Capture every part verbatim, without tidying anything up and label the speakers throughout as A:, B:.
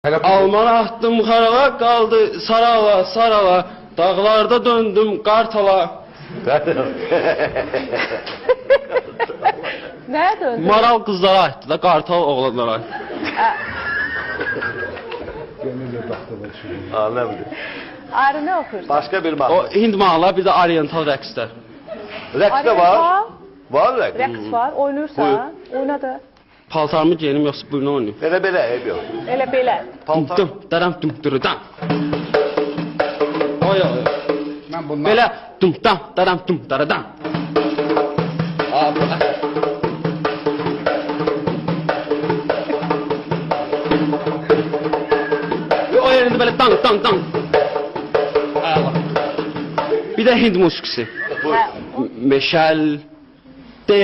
A: Almana attım xarava, qaldı sarava, sarava. Dağlarda döndüm qartala.
B: Nəyə döndün?
A: Maral qızlara aitdi da, qartal oğlanlara aitdi.
C: Anlamdı.
B: Ayrı nə oxuyursun?
C: Başka bir
A: O
C: mahnı.
A: Hind mahnılar, bir də oriental rəqslər.
C: Rəqs de var. Var rəqs.
B: Rəqs var, oynayırsan, oyna da.
A: Paltarımı giyelim, yoxsa buyurun oynayım.
C: Belə belə ev yok.
B: Elə belə.
C: Paltar.
A: Dum, daram, dum, dırıdam. Oy, oy.
D: Ben bundan...
A: Belə dum, dam, daram, dum, daradam. Abi, o yerində belə dang, dang, dang. Allah. Bir də Hind musiqisi.
B: Hə,
A: Meşal de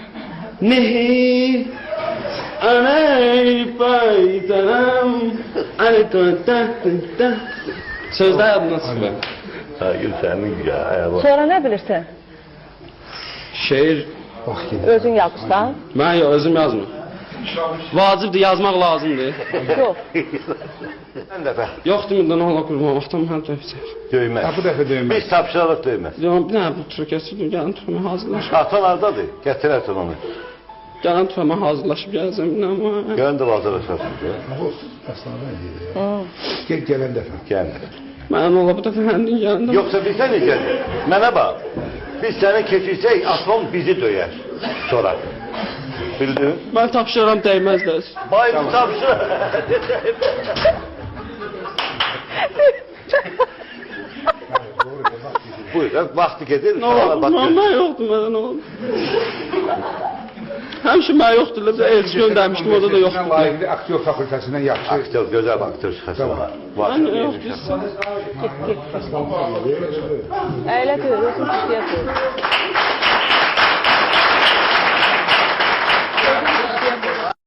A: nehi anay paytanam ani ta ta. Sözlər yadımdan çıxmır.
C: Ha, senin ya. Ayağım.
B: sonra nə bilirsən?
A: Şeir
D: Bak yine.
B: Özün yazırsan?
A: mən yox, özüm yazmır. Vacibdir, yazmaq lazımdır.
B: Yox.
C: Sen de be.
A: Yoxdur, mündən Allah qurban, vaxtım hər dəfə.
C: Dövmez.
D: Ha, bu defa dövmez.
C: Biz tapşıralım dövmez.
A: Yox, bir dənə bu tür kəsirdim, gəlin tüfəmə hazırlaşıb.
C: Atan hardadır? Getirersin onu.
A: Gəlin tüfəmə hazırlaşıb gələcəm, bir dənə.
C: Gönlüm hazırlaşarsın.
D: Aslında ben diyeyim. Gel gelen defa.
C: Gel.
A: Mən ola bu dəfə həndin gəlində.
C: Yoksa biz sen ne Mənə bak. Biz seni keçirsək, atom bizi döyer. Sonra. Bildin?
A: Mən tapşırıram, dəyməzlər.
C: Bayım tapşır. Buyur, vakti gelir.
A: Nə oldu? Mən yoxdur, mənə nə oldu? Həmişə mən yoxdur, bir elçi göndərmişdim, orada da
D: Sen
A: yoxdur.
D: layıklı aktör fakültesinden yaptı.
C: Aktör, güzel aktör çıkarsın.
D: Tamam.
C: Var.
A: Mən yoxdur.
B: Əylə deyir, özün kişiyə deyir.